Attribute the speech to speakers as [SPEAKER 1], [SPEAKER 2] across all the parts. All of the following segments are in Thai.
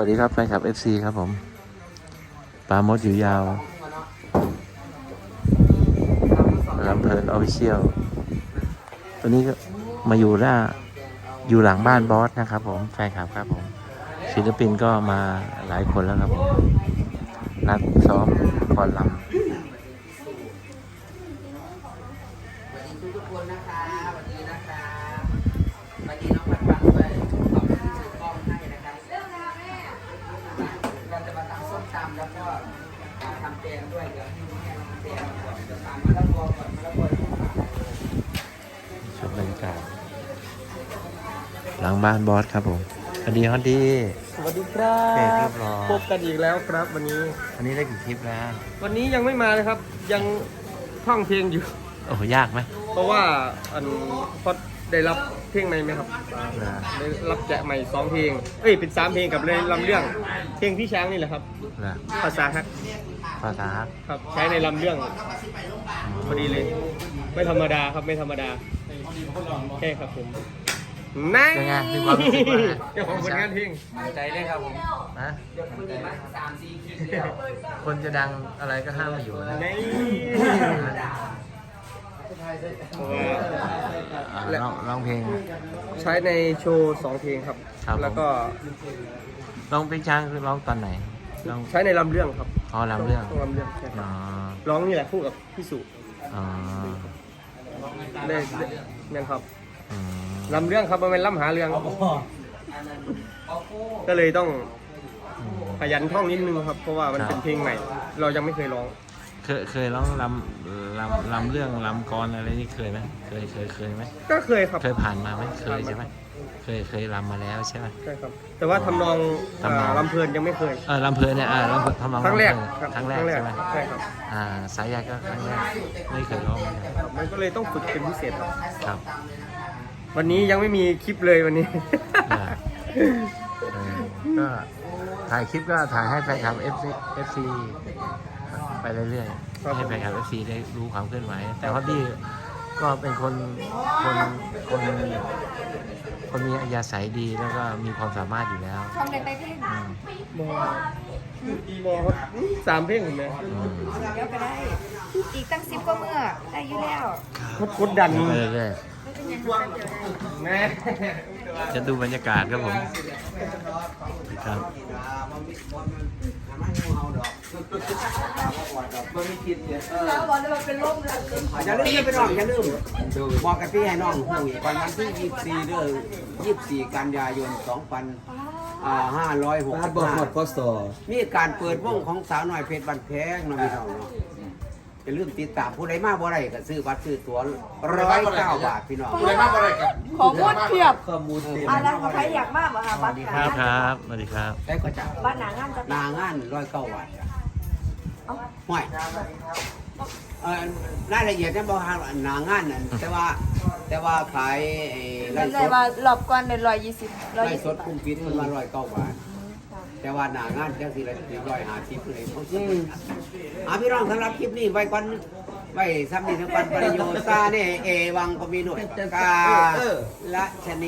[SPEAKER 1] วัสดีครับแฟนคลับ FC ครับผมปามดอยู่ยาวลำเพลินออฟฟิเชียลตัวนี้ก็มาอยู่หลังบ้านบอสนะครับผมแฟนคลับครับผมศิลปินก็มาหลายคนแล้วครับผมนัดซ้อมก่อนลำ
[SPEAKER 2] ทุกคนนะคะวันนี้นะคะวันนี้น้องปันด้วยขอบคุณที่ซื้อกล้องให้นะคะเราจะมาทำส้มตำแล้วก็ทำแกงด้วยเดี๋ยวให้แม่ทำแกงก่อนจะตำมะละกอก่อนมะละกอ
[SPEAKER 1] ชมบรรยากาศหลังบ้านบอสครับผมสวัสดีฮอตดี
[SPEAKER 3] สวัสดีครั
[SPEAKER 1] เรีย
[SPEAKER 3] บบ
[SPEAKER 1] ร้อย
[SPEAKER 3] พบกันอีกแล้วครับวันนี้
[SPEAKER 1] อันนี้ได้กี่คลิปแล้ว
[SPEAKER 3] วันนี้ยังไม่มาเลยครับ ยังท่องเพลงอยู่
[SPEAKER 1] โอ้โหยากไหม
[SPEAKER 3] เพราะว่าพอได้รับเพลงใหม่ไหมครับ
[SPEAKER 1] นะ
[SPEAKER 3] ได้รับแจกใหม่2เพลงเป็น3เพลงกับเลยลำเรื่องเพลงพี่ช้างนี่แหละครับ
[SPEAKER 1] นะ
[SPEAKER 3] ภาษาฮัก
[SPEAKER 1] ภาษา
[SPEAKER 3] ครับใช้ในลำเรื่องพอดีเลย ไม่ธรรมดาครับไม่ธรรมดาแค่ครับผมนั่ง
[SPEAKER 1] เป็นไงมีความรู้สึกว่าไง
[SPEAKER 3] เจ้าของผลงานเพลง
[SPEAKER 2] ใจเลยครับผม
[SPEAKER 1] นะ
[SPEAKER 2] ยกมือมา3-4 คลิปแล้ว
[SPEAKER 1] คนจะดังอะไรก็ห้ามมาอยู่นะ
[SPEAKER 3] นี่เพราะว่า
[SPEAKER 1] ร้องเพลง
[SPEAKER 3] ใช้ในโชว์2เพลงครับ
[SPEAKER 1] ครับผม
[SPEAKER 3] แล้วก็
[SPEAKER 1] ร้องเพลงช้างคือร้องตอนไหนร้อง
[SPEAKER 3] ใช้ในลำเรื่องครับ
[SPEAKER 1] อ๋อลำเรื่อง
[SPEAKER 3] ต้องลำเรื่องใช่ค
[SPEAKER 1] อ๋
[SPEAKER 3] รั
[SPEAKER 1] อบ
[SPEAKER 3] ร้องนี่แหละคู่กับพี่สุ
[SPEAKER 1] อ๋อ
[SPEAKER 3] ได้นั่นครับ
[SPEAKER 1] อืม
[SPEAKER 3] ลำเรื่องครับมันเป็นลำหาเรื่องก็เลยต้องขยันท่องนิดนึงครับ เพราะว่ามันเป็นเพลงใหม่ เรายังไม่เคยร้อง
[SPEAKER 1] เคยร้องลำเรื่องลำกรอะไรนี่เคยไหมเคยไหม
[SPEAKER 3] ก็เคยครับ
[SPEAKER 1] เคยผ่านมาไหมเคยใช่ไหมเคยลำมาแล้วใช่ไหม
[SPEAKER 3] ใช่ครับ แต่ว่าทำนอง
[SPEAKER 1] ทำนอง
[SPEAKER 3] ลำเพลินยังไม่เคย
[SPEAKER 1] ลำเพลินเนี่ยลำเพลินทำนอง
[SPEAKER 3] ครั้งแรก
[SPEAKER 1] ครั้งแรกใช่ไหม
[SPEAKER 3] ใช่ครับ
[SPEAKER 1] สายใยก็ครั้งแรกไม่เคยร้องเหมือนกัน
[SPEAKER 3] มันก็เลยต้องฝึกเป็นพิเศษครับ
[SPEAKER 1] ครับ
[SPEAKER 3] วันนี้ยังไม่มีคลิปเลยวันนี้
[SPEAKER 1] ก็ถ่ายคลิปก็ถ่ายให้แฟนคลับ FC ไปเรื่อย
[SPEAKER 3] ครับ
[SPEAKER 1] ๆให้แฟนคลับ FC ได้รู้ความเคลื่อนไหวแต่ฮอตดี้ก็เป็นคนมีอัธยาศัยดีแล้วก็มีความสามารถอยู่แล้ว
[SPEAKER 4] ทำในไปเพลง
[SPEAKER 1] อืม
[SPEAKER 3] บอครับ3เพลงผมเลย
[SPEAKER 1] อืม
[SPEAKER 4] เดี๋ยวก็ได้ อีกตั้ง10ก็เมื่อได้อยู่แล้ว
[SPEAKER 3] กดดัน
[SPEAKER 1] ไปเรื่อย
[SPEAKER 4] ไม่เป็นยังไงเดี๋ยวได้
[SPEAKER 3] แม่
[SPEAKER 1] ๆจะดูบรรยากาศครับผมครับ
[SPEAKER 4] แล้วบอกเลยว่าเป็นร่มเลย
[SPEAKER 2] อย่าลืมไปน้องอย่าลืมบอกกับพี่ให้น้องหูอีกวันที่24เดือน24 กันยายน 2565มีการเปิดวงของสาวน้อยเพชรบันแพงน้องพี่น้องเนาะอย่าลืมติดตามผู้ใดมาบ่ได้ก็ซื้อบัตรซื้อตั๋ว109 บาทพี่น้อง
[SPEAKER 4] ขอพูดเพียบอะไรใครอยากมากเหรอคะบัตร
[SPEAKER 1] ครับสวัสดีครับ
[SPEAKER 2] ได้ก็จะ
[SPEAKER 4] บัตรหนางานจะ
[SPEAKER 2] หนางาน109 บาทจ้ะห่วยรายละเอียดเนี่ยบอกหนางานนั่นแต่ว่าขายไล่ส
[SPEAKER 4] ได้
[SPEAKER 2] ด
[SPEAKER 4] ว่ารอบก่อนเป็น120
[SPEAKER 2] ไล่สดคุ้มฟิตมันมา109 บาท แต่ว่าหนางานจังสิละ150เลยเขาซื้อพี่น้องสำหรับคลิปนี้ไว้ก่อนไว้ซ้ำนี่ทั้งวันประโยชน์ซาเนี่ยเอวังก็มีหน่วยกาละชนี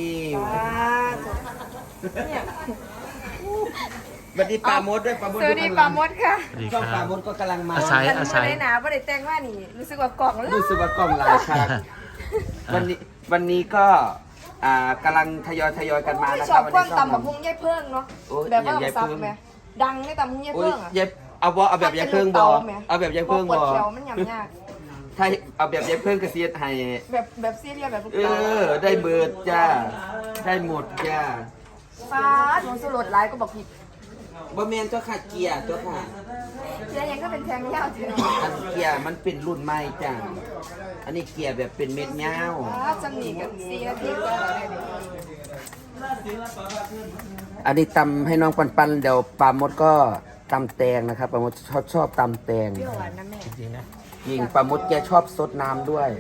[SPEAKER 4] เนี่ย
[SPEAKER 3] บัดนี้ปลาโมดด้วยปลาโมด
[SPEAKER 4] สวัสดีปามดค่ะ
[SPEAKER 1] สวัสดี
[SPEAKER 2] ช่อง
[SPEAKER 1] ค
[SPEAKER 2] ป
[SPEAKER 1] รั
[SPEAKER 2] ลา
[SPEAKER 1] บ
[SPEAKER 2] บนก็กำลังมา
[SPEAKER 1] อาศัย
[SPEAKER 4] ไม่ได้หนาไม่ได้แต่งว่านี่ รู้สึกว่ากล่องแล้ว
[SPEAKER 2] รู้สึกว่ากล้องลายฉากวันนี้ก็กำลังทยอยกันมานะ
[SPEAKER 4] ช
[SPEAKER 2] ครั
[SPEAKER 4] อ
[SPEAKER 2] บบ
[SPEAKER 4] ความตำบักหุ่งยายเพิ่งเนาะ
[SPEAKER 2] โอ้ย
[SPEAKER 4] แบบว่า
[SPEAKER 2] อย่างยาย
[SPEAKER 4] ซับ
[SPEAKER 2] เพิ่ง
[SPEAKER 4] ไหมดังในตำหุ่งยาย
[SPEAKER 2] โอ้ย
[SPEAKER 4] เพิ่งอ่ะ
[SPEAKER 2] เย็บเอาแบบยายเพิ่งบอเอาแบบยายเพิ่ง
[SPEAKER 4] ป
[SPEAKER 2] บ
[SPEAKER 4] วด
[SPEAKER 2] อ
[SPEAKER 4] แขวมันยำยาก
[SPEAKER 2] ถ้าเอาแบบยายเพิ่งกระเสียดให้
[SPEAKER 4] แบบซีเรียสแบบลูก
[SPEAKER 2] เอ
[SPEAKER 4] ตา
[SPEAKER 2] อได้เบิดจ้าได้หมดจ้า
[SPEAKER 4] ฟ้าหนูสุรดร้ายก็บอกผิด
[SPEAKER 2] บ่แม่นเจ้าค่ะเกียร์เจ้าค่ะ
[SPEAKER 4] เจ๊ยังก็เป็นแทงยาวเถอะ
[SPEAKER 2] อันเกียร์มันเป็นรุ่นใหม่จ้าอันนี้เกียร์แบบเป็นเม็ดยาว
[SPEAKER 4] ฟ้าจำหนีกัน4 นาทีก็ได้เลย
[SPEAKER 2] อันนี้ตำให้น้องปันเดี๋ยวปลาหมดก็ตำแตงนะครับปลาหมดชอบตำแตง
[SPEAKER 4] เปรี้ยวหวานนะแม่
[SPEAKER 1] จริงๆนะ
[SPEAKER 2] ยิงปลาหมดแกชอบซดน้ำด้วย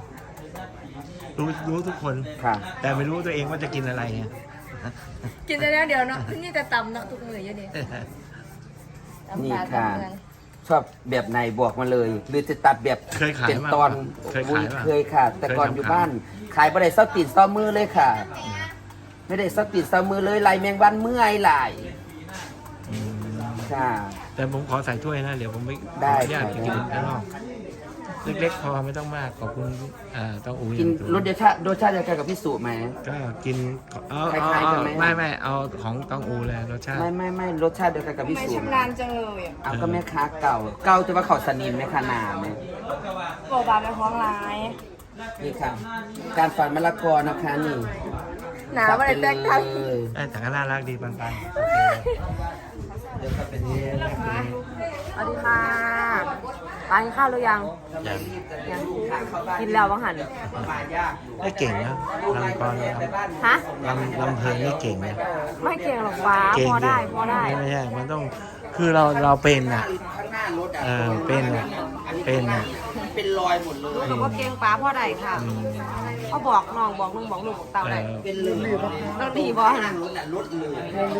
[SPEAKER 1] รู้ทุกคน
[SPEAKER 2] ค่ะ
[SPEAKER 1] แต่ไม่รู้ตัวเองว่าจะกินอะไรไง
[SPEAKER 4] กินได้แล้วเดี๋ยวเนาะนี่จะตำเนาะทุกมื้ออยู่นี่ตำ
[SPEAKER 2] นี่
[SPEAKER 4] ปลา
[SPEAKER 2] ค่ะ
[SPEAKER 4] ตำเมือง
[SPEAKER 2] ชอบแบบไหนบอกมาเลย หรือจะตัดแบบ
[SPEAKER 1] เคยขาย
[SPEAKER 2] เป็น
[SPEAKER 1] ป่ะ
[SPEAKER 2] ตอน
[SPEAKER 1] เคยขายป่ะ
[SPEAKER 2] เคยค่ะ แต่ก่อน
[SPEAKER 1] เคยทำ
[SPEAKER 2] อยู่บ้าน ขายบะไดเส้าตีนเส้ามือเลยค่ะไม่ได้สติสมือเลยไหลแมงวันเมื่อยไหล
[SPEAKER 1] อืม
[SPEAKER 2] ค่ะ
[SPEAKER 1] แต่ผมขอใส่ถ้วยนะ เดี๋ยวผมไป
[SPEAKER 2] ได้
[SPEAKER 1] ขออนุญาต
[SPEAKER 2] ค่ะ
[SPEAKER 1] ไปกินข้างนอกเล็กๆพอไม่ต้องมากขอบคุณต้องอู
[SPEAKER 2] กิน
[SPEAKER 1] สูง
[SPEAKER 2] รสชาติเดียวกันกับพี่สุไหม
[SPEAKER 1] ก็กินเอา
[SPEAKER 2] คล้ายๆกันไหม
[SPEAKER 1] ไม่เอาของต้องอูเลยรสชาติ
[SPEAKER 2] ไม่รสชาติเดียวกันกับพี่
[SPEAKER 4] ไม่
[SPEAKER 2] สุ
[SPEAKER 4] ชำนาญจังเลยอ่ะ
[SPEAKER 2] เอาก็แม่ค้าเก่าจะว่าเขาสนิมแม่ค้าหนาไหม
[SPEAKER 4] บอกบาเป็นของร้าย
[SPEAKER 2] นี่ค่ะการฝันมะละกอนะคะนี่
[SPEAKER 4] หนาว่าอะไรแตกต่าง
[SPEAKER 2] เลย
[SPEAKER 1] แต่ก็น่ารักดีปันๆโอเคเดี๋ยวก็เป็นนี้
[SPEAKER 4] สวัสดีค่ะปานกินข้าวหรือยัง
[SPEAKER 1] อย่าง
[SPEAKER 4] ยังกินแล้วบ้างหัน
[SPEAKER 1] ได้เก่งนะลำกร
[SPEAKER 4] ฮะ
[SPEAKER 1] ลำเพลินนี่เก่งนะ
[SPEAKER 4] ไม่เก่งหรอกป้า
[SPEAKER 1] เก่ง
[SPEAKER 4] พอได้พอได้
[SPEAKER 1] ไม่ใช่มันต้องคือเราเป็นอ่ะ
[SPEAKER 2] ข้างหน้ารถอ่ะ
[SPEAKER 1] เป็นอ่ะเป็นอ่ะ
[SPEAKER 2] เป็นรอยหมดเลย
[SPEAKER 4] รู้แต่ว่าเก่งป้าพอได้ค่ะเขาบอกน้องบอกลุงบอกลูกบอกเต่าได้
[SPEAKER 2] เป็นเลย
[SPEAKER 4] ต้องดีบอล
[SPEAKER 2] ข้างรถอ่ะรถเลย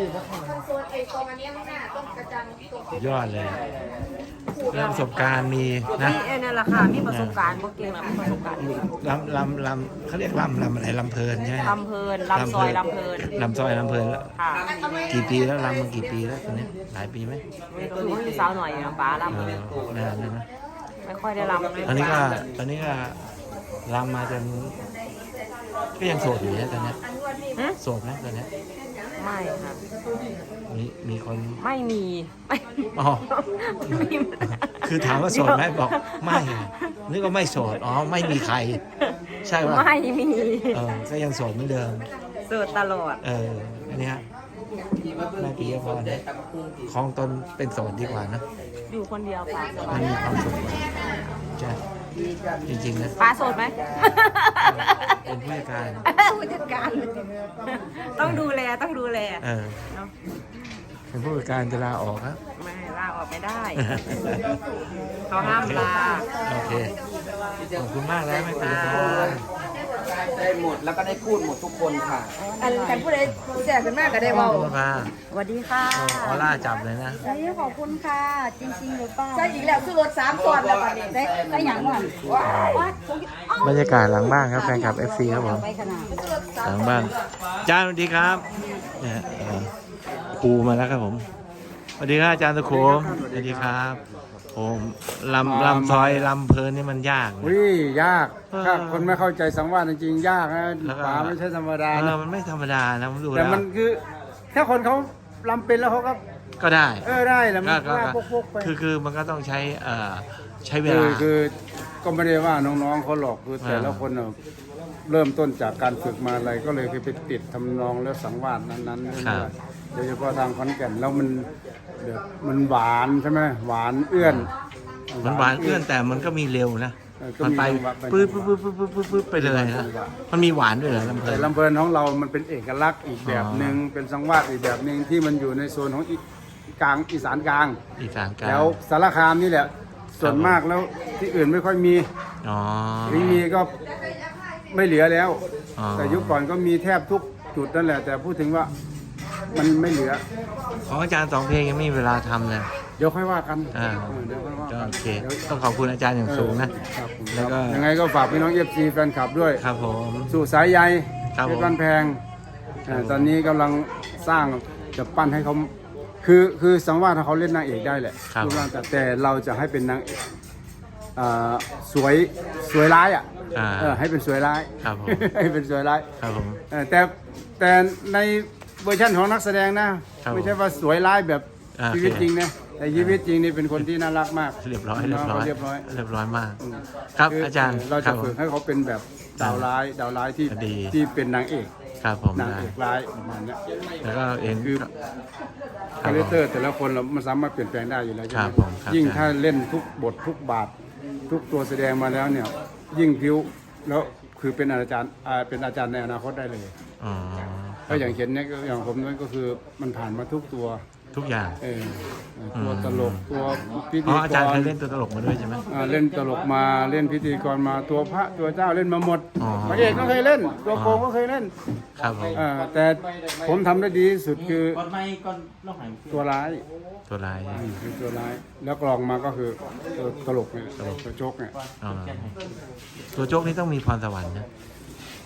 [SPEAKER 1] ยอดเลยเรื่องประสบการณ์มีนะ
[SPEAKER 4] นี่นั่นแหละค่ะมีประสบการณ์บ่เก่งหรอกมีประสบการณ์
[SPEAKER 1] ลำเขาเรียกลำอะไรลำเพลินใช่ไหม
[SPEAKER 4] ลำเพลินลำซอยลำเพลิน
[SPEAKER 1] ลำซอยลำเพลินแล้ว
[SPEAKER 4] ค่ะ
[SPEAKER 1] กี่ปีแล้วลำมากี่ปีแล้วตอนนี้หลายปีไหม
[SPEAKER 4] คือว่าอยู่สาวหน่อยนะป้าลำ
[SPEAKER 1] นานแล้วนะ
[SPEAKER 4] ไม่ค่อยได้ลำเลย
[SPEAKER 1] ตอนนี้ก็ลำมาจนก็ยังโสดอยู่นะตอนนี้โสดนะตอนนี้
[SPEAKER 4] ไม่ค่ะ
[SPEAKER 1] มีคน
[SPEAKER 4] ไม่มีไม่
[SPEAKER 1] อ๋อ
[SPEAKER 4] ไม่มี
[SPEAKER 1] คือถามว่าโสดไหมบอกไม่นึกว่าไม่โสดอ๋อไม่มีใคร ใช่ป่ะ
[SPEAKER 4] ไม่มี
[SPEAKER 1] ก็ยังโสดเหมือนเดิม
[SPEAKER 4] เสิร์ชตลอด
[SPEAKER 1] อันเนี้ยแม่ปีพรนะคลองตนเป็นโสดดีกว่านะ
[SPEAKER 4] อยู่คนเดียวป้าส
[SPEAKER 1] มั
[SPEAKER 4] บาน ย
[SPEAKER 1] มีความสุขกว่าใช่จริงๆนะ
[SPEAKER 4] ป้าโสดไหม
[SPEAKER 1] เป็นผู้จัดการ
[SPEAKER 4] ผู้จัดการต้องดูแลต้องดูแล
[SPEAKER 1] เออ
[SPEAKER 4] เนาะ
[SPEAKER 1] เป็นผู้จัดการจะลาออกครับ
[SPEAKER 4] ไม่ลาออกไม่ได้ เขาห้ามลา
[SPEAKER 1] โอเคขอบคุณมากแล้วแม่ปีพร
[SPEAKER 2] ได้หมดแล้วก็ได้พูดหมดทุกคนค่ะ
[SPEAKER 4] อันกันผู้ใดแจกกันมากก็ได้เบา
[SPEAKER 1] มา
[SPEAKER 4] สวัสดีค่ะ
[SPEAKER 1] ออร่าจับเลยนะ
[SPEAKER 4] ขอบคุณค่ะ จริงๆหรือเปล่าใช่อีกแล้วคือรถ3ส่วนแล้วบัดนี้ได้อย่างว่า
[SPEAKER 1] บรรยากาศหลังบ้านครับแฟนคลับ FC ครับผม
[SPEAKER 4] ไปขนาด
[SPEAKER 1] หลังบ้านอาจารย์สวัสดีครับเนี่ยครูมาแล้วครับผมสวัสดีครับอาจารย์ตะโขมสวัสดีครับผมลำซอยลำเพลินนี่มันยากนะ
[SPEAKER 5] วิยากถ้าคนไม่เข้าใจสังวาสจริงๆยากนะ
[SPEAKER 1] แล้วก็
[SPEAKER 5] ป่าไม่ใช่ธรรมดานะ
[SPEAKER 1] มันไม่ธรรมดานะผมดู
[SPEAKER 5] แต่
[SPEAKER 1] แล้ว
[SPEAKER 5] มันคือถ้าคนเขาลำเป็นแล้วเขาก็
[SPEAKER 1] ก็ได้
[SPEAKER 5] ได้แหละมัน
[SPEAKER 1] ก็
[SPEAKER 5] ว่าพกๆไป
[SPEAKER 1] คือมันก็ต้องใช้ใช้เว
[SPEAKER 5] คื
[SPEAKER 1] ลา
[SPEAKER 5] คือก็ไม่ได้ว่าน้องๆเขาหรอกคือแต่ละคนน่ะเริ่มต้นจากการฝึกมาอะไรก็เลยไปติดทำนองแล้วสังวาสนั้นๆโดยเฉพาะทางขอนแก่นแล้วมันแบบมันหวานใช่ไหมหวานเอื้อน
[SPEAKER 1] มันหวานเอื้อนแต่มันก็มีเร็วนะ
[SPEAKER 5] ก็
[SPEAKER 1] มัน
[SPEAKER 5] มี
[SPEAKER 1] ไป
[SPEAKER 5] จังหวะ
[SPEAKER 1] ปื๊ดไปเลยนะมันมีหวานด้วยเหรอลำเพลิ
[SPEAKER 5] แต่
[SPEAKER 1] น
[SPEAKER 5] ลำเพลินของเรามันเป็นเอกลักษณ์อีกแบบหนึ่งเป็นสังวาสอีกแบบหนึ่งที่มันอยู่ในโซนของกลางอีสานกลาง
[SPEAKER 1] อีสานกลาง
[SPEAKER 5] แล้วสารคามนี่แหละส่วนมากแล้วที่อื่นไม่ค่อยมี
[SPEAKER 1] อ๋อ
[SPEAKER 5] ที่มีก็ไม่เหลือแล้ว
[SPEAKER 1] อ๋อ
[SPEAKER 5] แต่ยุคก่อนก็มีแทบทุกจุดนั่นแหละ แต่พูดถึงว่ามันไม่เหลือ
[SPEAKER 1] ของอาจารย์สองเพลงยังไม่มีเวลาทำเลย
[SPEAKER 5] เดี๋ยวค่อยว่ากัน
[SPEAKER 1] เดี๋
[SPEAKER 5] เดี๋ยวค่อยว่า
[SPEAKER 1] ก็
[SPEAKER 5] กัน
[SPEAKER 1] โอเค ต้องขอบคุณอาจารย์อย่างสูงนะ
[SPEAKER 5] ครับผม
[SPEAKER 1] แล้วก็
[SPEAKER 5] ยังไงก็ฝากพี่น้องเอฟซีแฟนคลับด้วย
[SPEAKER 1] ครับผม
[SPEAKER 5] สู่สายใย
[SPEAKER 1] ครับ
[SPEAKER 5] เพ
[SPEAKER 1] ผม
[SPEAKER 5] ชรบ้านแพง
[SPEAKER 1] ครับผม
[SPEAKER 5] ตอนนี้กำลังสร้างจะปั้นให้เขาคือสังวาสเขาเล่นนางเอกได้แหละ
[SPEAKER 1] ครับ
[SPEAKER 5] รูปร่างแต่เราจะให้เป็นนางเอกสวยร้ายอ่ะให้เป็นสวยร้าย
[SPEAKER 1] ครับผม
[SPEAKER 5] ให้เป็นสวยร้าย
[SPEAKER 1] ครับผม
[SPEAKER 5] แต่ในเวอร์ชันของนักแสดงนะครับ ไม่ใช่ว่าสวยร้ายแบบ
[SPEAKER 1] อ่า
[SPEAKER 5] ชีวิต
[SPEAKER 1] โอเค
[SPEAKER 5] จริงนะแต่ชีวิตจริงนี่เป็นคนที่น่ารักมาก
[SPEAKER 1] เรียบร้อย
[SPEAKER 5] น้งขาเรียบร้อย
[SPEAKER 1] เรียบร้อยมาก ครับ
[SPEAKER 5] คื
[SPEAKER 1] อาจารย์
[SPEAKER 5] เรา
[SPEAKER 1] ค
[SPEAKER 5] จะ
[SPEAKER 1] รับผม
[SPEAKER 5] ฝึกให้เขาเป็นแบบดาวร้ายที่
[SPEAKER 1] ดี
[SPEAKER 5] ที่เป็นนางเอก
[SPEAKER 1] ครับผม
[SPEAKER 5] นาง
[SPEAKER 1] ได้
[SPEAKER 5] เอกร้ายประมาณเนี้ย
[SPEAKER 1] แล้วก็เห็น
[SPEAKER 5] คือ
[SPEAKER 1] ครับ
[SPEAKER 5] คาแรคเตอร์แต่ละคนเรามันสามารถเปลี่ยนแปลงได้อยู่แล้วใช่
[SPEAKER 1] ครั
[SPEAKER 5] ไห
[SPEAKER 1] บ
[SPEAKER 5] ม
[SPEAKER 1] ผมครับ
[SPEAKER 5] ยิ่งถ้าเล่นทุกบททุกบาท ทุกตัวแสดงมาแล้วเนี่ย ยิ่งพิ้วแล้วคือเป็นอาจารย์เป็นอาจารย์ในอนาคตได้เลย
[SPEAKER 1] อ๋อ
[SPEAKER 5] ก็อย่างเห็นเนี่ยก็อย่างผมนั่นก็คือมันผ่านมาทุกตัว
[SPEAKER 1] ทุกอย่าง
[SPEAKER 5] ตัวตลกตัวพิ
[SPEAKER 1] อ๋
[SPEAKER 5] ธี
[SPEAKER 1] ออาจารย์
[SPEAKER 5] ก
[SPEAKER 1] เค
[SPEAKER 5] ร
[SPEAKER 1] ยเล่นตัวตลกมาด้วยใช่ไหม
[SPEAKER 5] เล่นตลกมาเล่นพิธีกรมาตัวพระตัวเจ้าเล่นมาหมด
[SPEAKER 1] อ๋อ
[SPEAKER 5] พระเอกก็เคยเล่น ตัวโกงก็เคยเล่น
[SPEAKER 1] ครับผม
[SPEAKER 5] แต่ผมทำได้ดีที่สุดคือตัวร้าย
[SPEAKER 1] ตัวลาย
[SPEAKER 5] คือตัวร้าย แล้วกรองมาก็คือตัวตลกเนี่ยตัวโจกเนี่ย
[SPEAKER 1] อ๋อตัวโจ๊กนี่ต้องมีพรสวรรค์นะ
[SPEAKER 5] โ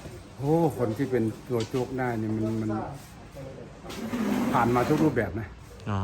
[SPEAKER 5] โอ้คนที่เป็นตัวโจ๊กได้เนี่ยมันผ่านมาทุกรูปแบบนะ
[SPEAKER 1] อ๋อ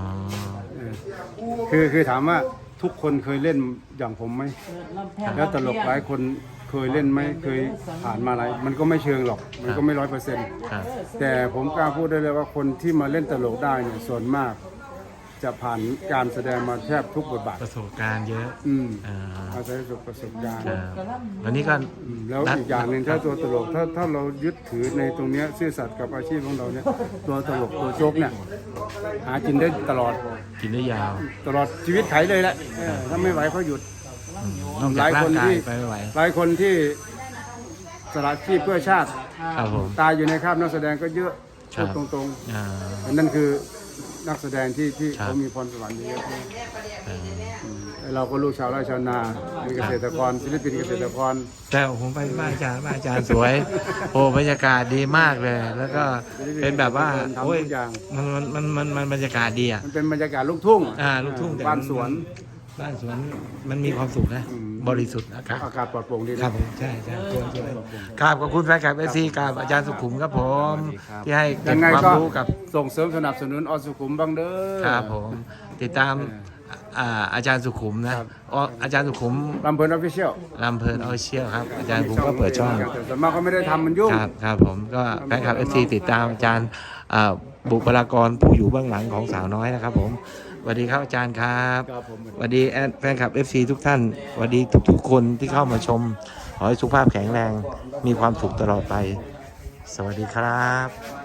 [SPEAKER 5] คือถามว่าทุกคนเคยเล่นอย่างผมไหมแล้วตลกหลายคนเคยเล่นไหมเคยผ่านมาอะไรมันก็ไม่เชิงหรอกมันก็ไม่100%
[SPEAKER 1] ครับ
[SPEAKER 5] แต่ผมกล้าพูดได้เลยว่าคนที่มาเล่นตลกได้เนี่ยส่วนมาก จะผ่านการแสดงมาแทบทุกบทบาท
[SPEAKER 1] ประสบการณ์เยอะ อ่า
[SPEAKER 5] อาศัยประสบการณ์
[SPEAKER 1] ครับวันนี้ก็
[SPEAKER 5] แล้วอีกอย่างหนึ่งถ้าตัวตลกถ้าเรายึดถือในตรงเนี้ยซื่อสัตย์กับอาชีพของเราเนี่ยตัวตลกตัวโจ๊กเนี่ยหากินได้ตลอด
[SPEAKER 1] กินได้ยาว
[SPEAKER 5] ตลอดชีวิตไขเลยแหละถ้าไม่ไหวก็หยุด
[SPEAKER 1] นอกจากร่างกายไปไม่ไหว
[SPEAKER 5] หลายคนที่สละชีพเพื่อชาติ
[SPEAKER 1] ครับผม
[SPEAKER 5] ตายอยู่ในคราบนักแสดงก็เยอะ
[SPEAKER 1] ครับ
[SPEAKER 5] พูดตรง
[SPEAKER 1] อ่า
[SPEAKER 5] ๆนั่นคือนักแสดงที่
[SPEAKER 1] ครับ
[SPEAKER 5] เขามีพรสวรรค์เยอะ
[SPEAKER 1] อ่า
[SPEAKER 5] เราก็ลูกชาวไร่ชาวนาเป็นเกษตรกรศิลปินเกษตรกร
[SPEAKER 1] แต่ผมไปบ้านอาจารย์สวย โอ้บรรยากาศดีมากเลย แล้วก็เป็นแบบว่า
[SPEAKER 5] ทำ
[SPEAKER 1] โอ้ย
[SPEAKER 5] ทุกอย่าง
[SPEAKER 1] มันบรรยากาศดีอ่ะ
[SPEAKER 5] มันเป็นบรรยากาศลูกทุ่ง
[SPEAKER 1] ลูกทุ่งแต่
[SPEAKER 5] บ้านสวน
[SPEAKER 1] บ้านสวนมันมีความสุขนะ บริสุทธิ์นะครับ
[SPEAKER 5] อากาศปลอดโปร่งดี
[SPEAKER 1] ครั
[SPEAKER 5] นะ
[SPEAKER 1] บผมใช่กราบขอบคุณแฟนคลับSCกราบอาจารย์สุขุมครับผม ที่ให้เก็
[SPEAKER 5] ยั
[SPEAKER 1] บ
[SPEAKER 5] งไง
[SPEAKER 1] ความ
[SPEAKER 5] ก็
[SPEAKER 1] รู้กับ
[SPEAKER 5] ส่งเสริมสนับสนุนอสุขุมบ้างเด้อ
[SPEAKER 1] ครับผมติดตามอาจารย์สุขุมนะครับ อ๋ออาจารย์สุขุม
[SPEAKER 5] ลำเพลินออฟฟิเชียล
[SPEAKER 1] ลำเพลินออฟฟิเชียลครับอาจารย์ผมก็เปิดช่อง
[SPEAKER 5] แต่ส่วนมากก็ไม่ได้ทำมันยุ่ง
[SPEAKER 1] ครับผมก็แฟนคลับSCติดตามอาจารย์บุคลากรผู้อยู่เบื้องหลังของสาวน้อยนะครับผมสวัสดีครับอาจารย์ครับ
[SPEAKER 5] ครับผม
[SPEAKER 1] สวัสดีแฟนคลับ FC ทุกท่านสวัสดีทุกๆคนที่เข้ามาชมขอให้สุขภาพแข็งแรงมีความสุขตลอดไป สวัสดีครับ